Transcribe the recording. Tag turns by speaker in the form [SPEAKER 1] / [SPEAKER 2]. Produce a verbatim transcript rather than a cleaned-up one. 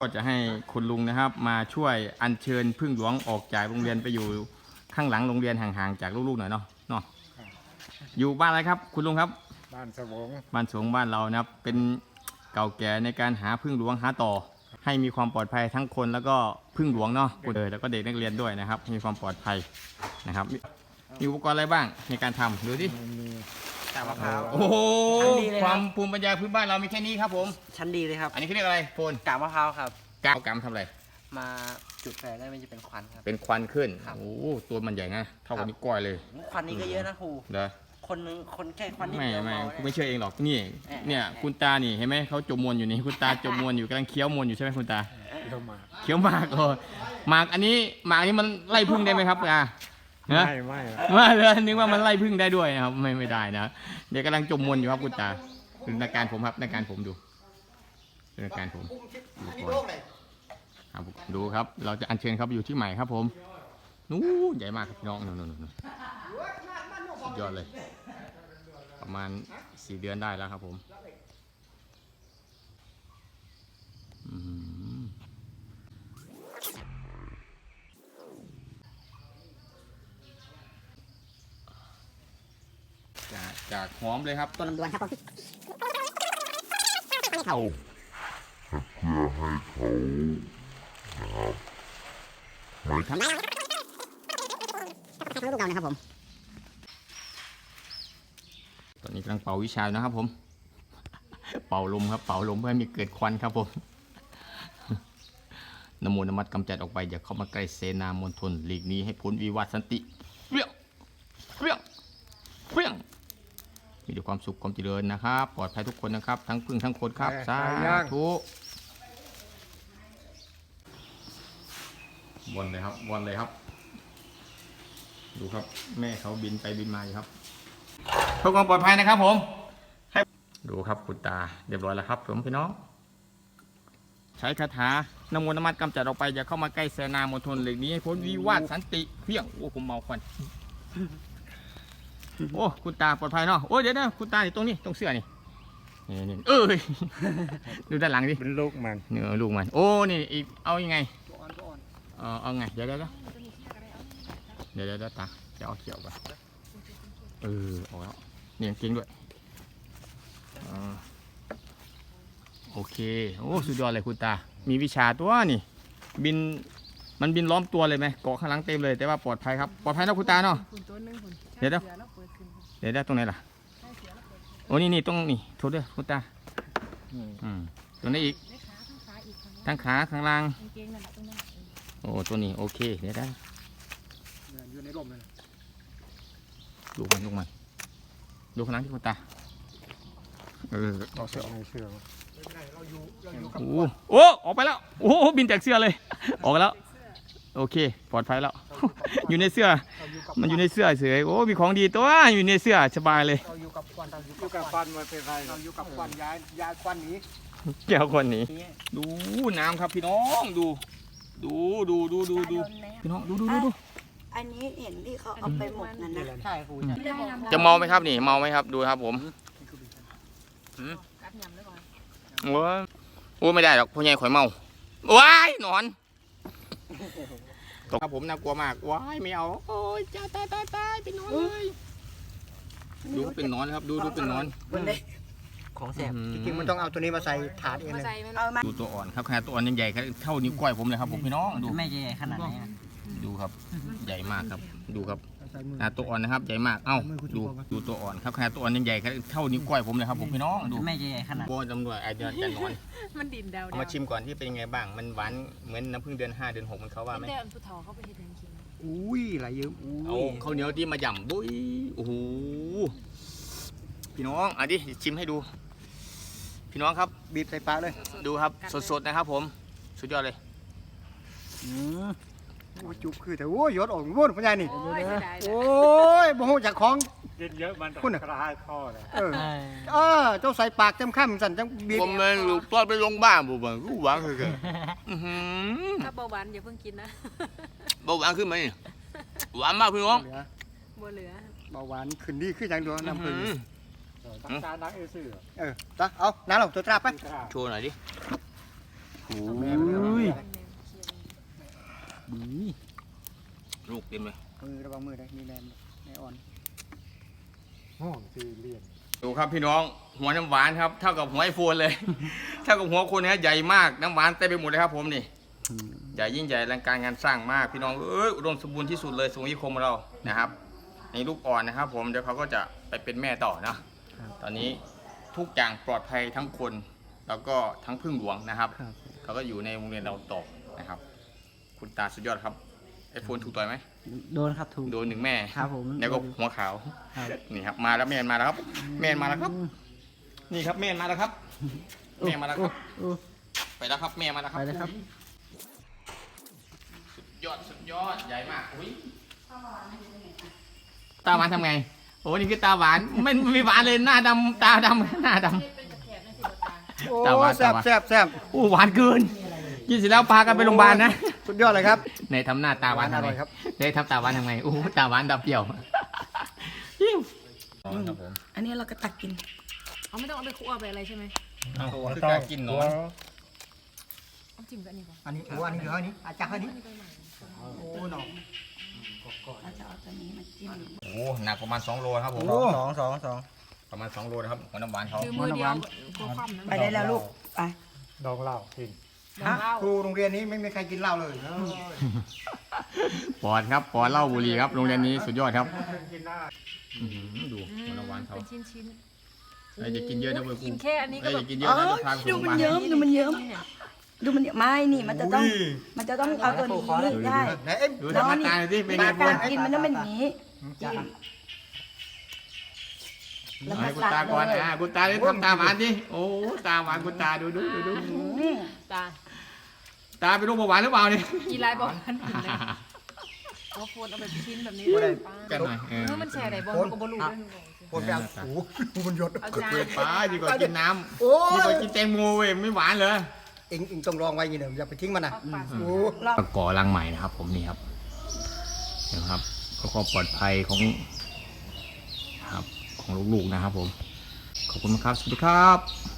[SPEAKER 1] ก็จะให้คุณลุงนะครับมาช่วยอัญเชิญพึ่งหลวงออกจากโรงเรียนไปอยู่ข้างหลังโรงเรียนห่างๆจากลูกๆหน่อยเนาะเนาะอยู่บ้านอะไรครับคุณลุงครับ
[SPEAKER 2] บ้านสวง
[SPEAKER 1] บ้านสวงบ้านเรานะครับเป็นเก่าแก่ในการหาพึ่งหลวงหาต่อให้มีความปลอดภัยทั้งคนแล้วก็พึ่งหลวงเนาะเออแล้วก็เด็กนักเรียนด้วยนะครับมีความปลอดภัยนะครับมีอุปกรณ์อะไรบ้างในการทำดูดิ
[SPEAKER 2] กาบมะพร้าว
[SPEAKER 1] โอ้โหความภูมิปัญญาพื้นบ้านเรามีแค่นี้ครับผม
[SPEAKER 3] ชั้นดีเลยครับ
[SPEAKER 1] อันนี้เขาเรียกอะไรโฟน
[SPEAKER 3] กาบมะพร้าวครับ
[SPEAKER 1] กาบกาบทำอะไร
[SPEAKER 3] มาจุดไฟได้มันจะเป็นควันครับ
[SPEAKER 1] เป็นควันขึ้นโอ้ตัวมันใหญ่นะเท่ากับนิ้วก้อยเลย
[SPEAKER 3] ควันนี้ก็เยอะนะครู
[SPEAKER 1] เด้อ
[SPEAKER 3] คนนึงคนแค่ควันนิด
[SPEAKER 1] เดียวไม่ไม่ไม่เชื่อเองหรอกนี่ เนี่ยคุณตานี่เห็นไหมเขาจมมวนอยู่นี่คุณตาจมมวนอยู่กำลังเคี้ยวมวนอยู่ใช่ไหมคุณตา
[SPEAKER 2] เคี้ยวหมาก
[SPEAKER 1] เคี้ยวหมากเออหมากอันนี้หมากนี้มันไล่พึ่งได้ไหมครับอ่ะ
[SPEAKER 2] ไม่ไม่
[SPEAKER 1] ไม่เลยนึกว่ามันไล่พึ่งได้ด้วยนะครับไม่ไม่ได้นะเดี๋ยวกำลังจมมวนอยู่ครับคุณตาดูอาการผมครับอาการผมดูดูอาการผมดูครับเราจะอัญเชิญครับอยู่ที่ใหม่ครับผมนู้ใหญ่มากครับน้องนู่นนู่นนู่นสุดยอดเลยประมาณสี่เดือนได้แล้วครับผมจากจากหอมเลยครับ
[SPEAKER 3] ตัวลำดวนครับผม
[SPEAKER 4] เขาเพื่อให้เขานะครับไม่
[SPEAKER 3] ทำได้ทั้งลูกเรานะครับผม
[SPEAKER 1] ตอนนี้กำลังเป่าวิชานะครับผมเป่าลมครับเป่าลมเพื่อให้มีเกิดควันครับผมนโมนมัดกำจัดออกไปอย่าเข้ามาใกล้เสนามณฑลหลีกนี้ให้พ้นวิวัฒน์สันติเปี้ยงเปี้ยงเปี้ยงมีแต่ความสุขความเจริญนะครับปลอดภัยทุกคนนะครับทั้งพึ่งทั้งคนครับสาธุวนเลยครับวนเลยครับดูครับแม่เขาบินไปบินมาอยู่ครับเพื่อความปลอดภัยนะครับผมให้ดูครับคุณตาเรียบร้อยแล้วครับผมพี่น้องใช้คาถานโมนมัดกำจัดออกไปอย่าเข้ามาใกล้เสนามณฑลหลีกนี้ให้พ้นวิวัฒน์สันติเพี้ยงโอ้ผมเมาควันโอ้คุณตาปลอดภัยเนาะโอ้เดี๋ยวนะคุณตาอยู่ตรงนี้ตรงเสื้อนี่นี่นี่เอ้ยดูด้านหลังดิ
[SPEAKER 2] เป็นลูกมัน
[SPEAKER 1] เนื้อลูกมันโอ้นี่อีกเอายังไงเออเอาไงเดี๋ยวเดี๋ยวเดี๋ยวเดี๋ยวเดี๋ยวตาจะเอาเขียวก่อนเออออกแล้วเนี่ยจริงด้วยโอเคโอ้สุดยอดเลยคุณตามีวิชาตัวนี่บินมันบินล้อมตัวเลยไหมเกาะข้างหลังเต็มเลยแต่ว่าปลอดภัยครับปลอดภัยนะคุณตาเนาะเดี๋ยวเดี๋ยวเดี๋ยวเดี๋ยวตรงไหนล่ะโอ้นี่นี่ตรงนี่โทษด้วยคุณตาอืมตรงนี้อีกทั้งขาข้างล่างโอ้ตัวนี้โอเคเดี๋ยวได้
[SPEAKER 2] อยู่ในร่มเลย
[SPEAKER 1] ดูมันดูมันดูข้างหลังที่คุณตาเออ
[SPEAKER 2] เราเสื้อไม่เสื้อ
[SPEAKER 1] โอ้โอ้ออกไปแล้วโอ้บินจากเสื้อเลยออกแล้วโอเคปลอดภัยแล้วอยู่ในเสื้อมันอยู่ในเสื้อเฉยโอ้มีของดีตัวอยู่ในเสื้อสบายเลย
[SPEAKER 2] เราอยู่กับควันเราอยู่กับควันมาเป็นไรเราอยู่กับควันย้ายย้ายควันนี้
[SPEAKER 1] แก้วควันนี้ดูน้ำครับพี่น้องดูดูดูดูดูดูพี่น้องดูดูดูดู
[SPEAKER 5] อันนี้เห็นที่เขาเอาไปหมดนั่นนะ
[SPEAKER 3] ใช่ครู
[SPEAKER 1] จะเมาไหมครับนี่เมาไหมครับดูครับผมโอ้โอ้ไม่ได้หรอกพ่อใหญ่ข่อยเมาว้ายนอนตกครับผมน่ากลัวมากว้ายไม่เอาโอ้ยจ้าตายตายตายเป็นนอนเลยดูเป็นนอนครับดูดูเป็นนอน
[SPEAKER 3] ของแสบ
[SPEAKER 2] จริงๆมันต้องเอาตัวนี้มาใส่ถาดเองเลย
[SPEAKER 1] ดูตัวอ่อนครับขนาดตัวอ่อนยังใหญ่เท่านิ้วก้อยผมเลยครับผมพี่น้องดู
[SPEAKER 3] ไม่ใหญ่ขนาดไหน
[SPEAKER 1] ดูครับใหญ่มากครับดูครับขนาดตัวอ่อนนะครับใหญ่มากเอ้าดูดูตัวอ่อนครับขนาดตัวอ่อนยังใหญ่เท่านิ้วก้อยผมเลยครับผมพี่น้องดู
[SPEAKER 3] ไม่ใหญ่ขนาด
[SPEAKER 1] โบตำรวจไอเดือนจะนอน
[SPEAKER 5] มันดินดาว
[SPEAKER 1] เอามาชิมก่อนที่เป็นยังไงบ้างมันหวานเหมือนน้ำผึ้งเดือนห้าเดือนหกมันเขาว่าไหม
[SPEAKER 5] เดือนพุทธเขาไปเห็นจริง
[SPEAKER 2] อุ้ยไหลเยิ้ม
[SPEAKER 1] เอาข้าวเหนียวที่มาหย่ำดุยโอ้โหพี่น้องอ่ะดิชิมให้ดูพี่น้องครับ
[SPEAKER 2] บีบใส่ปากเลย
[SPEAKER 1] ดูครับสดๆนะครับผมสุดยอดเลย
[SPEAKER 2] อืมจุกคือแต่โอ้ยยศออกวุ่นพ่อใหญ่นี่โอ้ยบ่ฮู้จักของกินเยอะมันคุณกระหายคอเลยเออเออเจ้าใส่ปากเต็มข้ามสั่นจังบีบ
[SPEAKER 1] ผมเลยลูกตอนไปโรงพยาบาลผมบอกกูหวานคือกัน
[SPEAKER 5] ถ้าเบาหวานอย่าเพิ่งกินนะ
[SPEAKER 1] เบาหวานขึ้นไหมหวานมากพี่น้อง
[SPEAKER 5] บัวเหลือ
[SPEAKER 2] เบาหวานขึ้นดีขึ้นอย่างเดียวน้ำผึ้ง
[SPEAKER 3] ตานักเอซื่อ
[SPEAKER 2] เออตาเอาน้ำหลงตัวตราไป
[SPEAKER 1] โชว์หน่อยดิ
[SPEAKER 2] แม่มันเรื่องอะไร
[SPEAKER 1] ลูกเต็มเลย
[SPEAKER 2] มือระวังมือได้มีแมนแม่อ่อน
[SPEAKER 1] ดูครับพี่น้องหัวน้ำหวานครับเท่ากับหัวไอโฟนเลย เท่ากับหัวคนนะใหญ่มากน้ำหวานเต็มไปหมดเลยครับผมนี่ใหญ่ยิ่งใหญ่อลังการงานสร้างมากพี่น้องเอ้ยอุดมสมบูรณ์ที่สุดเลยสมุทรคมเรานะครับในลูกอ่อนนะครับ ผมเดี๋ยวเขาก็จะไปเป็นแม่ต่อนะตอนนี้ทุกอย่างปลอดภัยทั้งคนแล้วก็ทั้งพึ่งหลวงนะครับเขาก็อยู่ในโรงเรียนเราต่อนะครับ คุณตาสุดยอดครับไอโฟนถูกต่อยไหม
[SPEAKER 3] โดนครับถูก
[SPEAKER 1] โดนหนึ่งแม่
[SPEAKER 3] ครับผม
[SPEAKER 1] แล้วก็หัวขาว
[SPEAKER 3] ครับ
[SPEAKER 1] นี่ครับมาแล้วแม่มาแล้วครับแม่มาแล้วครับ นี่ครับแม่มาแล้วครับแม่มาแล้วครับ
[SPEAKER 3] โอ้
[SPEAKER 1] ไปแล้วครับแม่มาแล้วค
[SPEAKER 3] ไป
[SPEAKER 1] รับ
[SPEAKER 3] เลยครับ
[SPEAKER 1] สุดยอดสุดยอดใหญ่มากอุ้ยตาหวานทำไงโอ้นี่คือตาหวานไม่ไม่มีหวานเลยหน้าดำตาดำหน้าดำ
[SPEAKER 2] โอ้
[SPEAKER 1] ตาหวาน
[SPEAKER 2] แซ่บ
[SPEAKER 1] ตาหวาน
[SPEAKER 2] แซ่บแซ่บ
[SPEAKER 1] อู้หวานเกินกินเสร็จแล้วพากันไปโรงพยาบาลนะ
[SPEAKER 2] สุดยอดเลยครับ
[SPEAKER 1] ในทำหน้าตาหวานทำ
[SPEAKER 2] อ
[SPEAKER 1] ไง
[SPEAKER 2] ร่อยครับ
[SPEAKER 1] ในทำตาหวานทำไงอู้ตาหวานดับเปรี้ยวครับผม
[SPEAKER 6] อันนี้เราก็ตักกิน
[SPEAKER 5] เอาไม่ต้องเอาไปคั่วไปอะไรใช่ไหม
[SPEAKER 1] เอาคือการกินหนอน
[SPEAKER 5] เอาจิ้มกับอันนี้ก่อน
[SPEAKER 2] อันนี้โอ้อันนี้เดี๋ยวอันนี้อาจารย์อันนี้โอ้หนอ
[SPEAKER 6] เราจะเอาตัวนี้มาจิ้ม
[SPEAKER 1] โอ้หนักประมาณสองโลครับผม
[SPEAKER 3] สองสองสอง
[SPEAKER 1] ประมาณสองโลนะครับหัวน้ำหวานเขา
[SPEAKER 5] คือมือเดียวตัวคว่ำนั้น
[SPEAKER 6] ไปได้แล้วลูก ไป
[SPEAKER 5] ดองเหล้า
[SPEAKER 2] ครูโรงเรียนนี้ไม่มีใครกินเหล้าเลย
[SPEAKER 1] ปอดครับปอดเหล้าบุหรี่ครับโรงเรียนนี้สุดยอดครับอื้อหือดู
[SPEAKER 5] อืม
[SPEAKER 1] หัวน้ำหวานเขา
[SPEAKER 5] เป็นชิ้นชิ้น
[SPEAKER 1] ไอ้จะกินเยอะนะเว้ย
[SPEAKER 5] กินแค่อันนี้ก็
[SPEAKER 1] ไอ้
[SPEAKER 5] แบ
[SPEAKER 1] จะ
[SPEAKER 5] บ
[SPEAKER 1] กินเยอะนะจะพาไป
[SPEAKER 6] ดู
[SPEAKER 1] โรงพ
[SPEAKER 6] มัน
[SPEAKER 1] ยาบาล
[SPEAKER 6] เยิ้มดูมันเยิ้มดูมันเยิ้มไม่นี่มันจะต้อง มันจะต้องเอาตัวนี้ได้
[SPEAKER 2] ไหนเอ็ม
[SPEAKER 1] ดูทำหน้าตาหน่อยสิเป็นไง
[SPEAKER 6] มา
[SPEAKER 1] พว
[SPEAKER 6] กาก รกินมันต้องเป็นอย่างนี้จิ้มแล้ว
[SPEAKER 1] ให้
[SPEAKER 6] มา
[SPEAKER 1] คุณ
[SPEAKER 6] ตั
[SPEAKER 1] ตากก่อน
[SPEAKER 6] เลย
[SPEAKER 1] อ่ะคุณตาเลยทำตาหวานสิโอ้ตาหวานคุณตาดูดูดูดู
[SPEAKER 6] อืม
[SPEAKER 5] ตา
[SPEAKER 1] ตาเป็นโรคเบาหวานหรือเปล่าเนี่ย
[SPEAKER 5] กีฬาบอกกันถึงเลยเอาโฟนเอาแบบชิ้นแบบนี้
[SPEAKER 2] บ่ได้
[SPEAKER 1] กันหน่อยเออ
[SPEAKER 5] เออมันแช่ไหนบอลก็บอลลูน
[SPEAKER 2] คนแบบโอ้โหมันหยด
[SPEAKER 5] เอาจาน
[SPEAKER 1] เปิดฟ้าดีกว่ากินน้
[SPEAKER 2] โอ้
[SPEAKER 1] ำดีก
[SPEAKER 2] ย
[SPEAKER 1] ว่ากินแตงโมเว้ยไม่หวานเลย
[SPEAKER 2] เอ็งเอ็งต้องลองไว้อยังเดี๋ยวอย่าไปทิ้งมันนะ
[SPEAKER 5] เอาปาก
[SPEAKER 2] โอ้
[SPEAKER 6] ลอง
[SPEAKER 1] ตะกอรังใหม่นะครับผมนี่ครับนะครับเพื่อความปลอดภัยของครับของลูกๆนะครับผมขอบคุณครับสวัสดีครับ